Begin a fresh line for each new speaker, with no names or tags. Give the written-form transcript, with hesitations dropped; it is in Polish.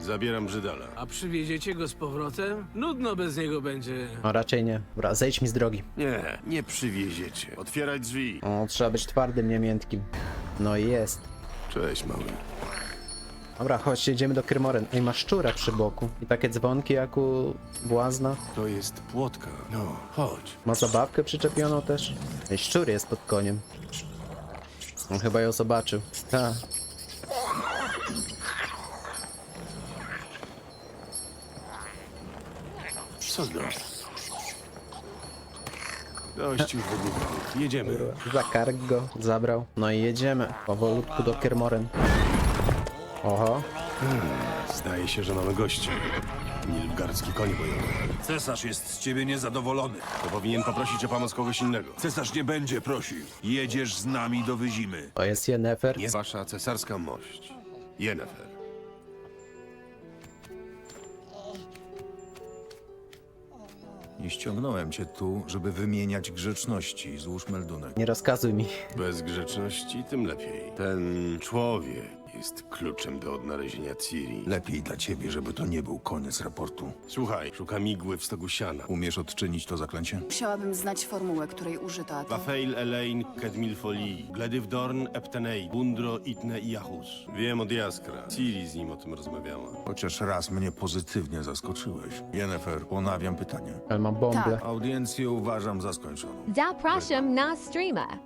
Zabieram Brzydala.
A przywieziecie go z powrotem? Nudno bez niego będzie.
No raczej nie. Dobra, zejdź mi z drogi.
Nie, nie przywieziecie. Otwieraj drzwi.
O, trzeba być twardym, nie miętkim. No i jest.
Cześć, mały.
Dobra, chodź, jedziemy do Kermoren. Ej, ma szczura przy boku. I takie dzwonki jak u błazna.
To jest płotka. No, chodź.
Ma zabawkę przyczepioną też. Ej, szczur jest pod koniem. On chyba ją zobaczył. Tak.
Co no? Dość już wygłupów. Jedziemy.
Zakark go, zabrał. No i jedziemy. Powolutku do Kermoren. Oho.
Zdaje się, że mamy gości. Nilfgaardzki koń bojowy.
Cesarz jest z ciebie niezadowolony.
To powinien poprosić o pomoc kogoś innego.
Cesarz nie będzie prosił. Jedziesz z nami do Wyzimy.
To jest Yennefer.
Nie wasza cesarska mość. Yennefer.
Nie ściągnąłem cię tu, żeby wymieniać grzeczności. Złóż meldunek.
Nie rozkazuj mi.
Bez grzeczności tym lepiej. Ten człowiek jest kluczem do odnalezienia Ciri.
Lepiej dla ciebie, żeby to nie był koniec raportu.
Słuchaj, szukam igły w stogu siana.
Umiesz odczynić to zaklęcie?
Musiałabym znać formułę, której użyto, a to...
Wafeil, Elaine, Kedmil Folii, Gledywdorn, Eptenei, Bundro, Itne i Jahus. Wiem od Jaskra. Ciri z nim o tym rozmawiała.
Chociaż raz mnie pozytywnie zaskoczyłeś. Yennefer, ponawiam pytanie.
Ale mam bąble.
Tak.
Audiencję uważam za skończoną.
Zapraszam na streama.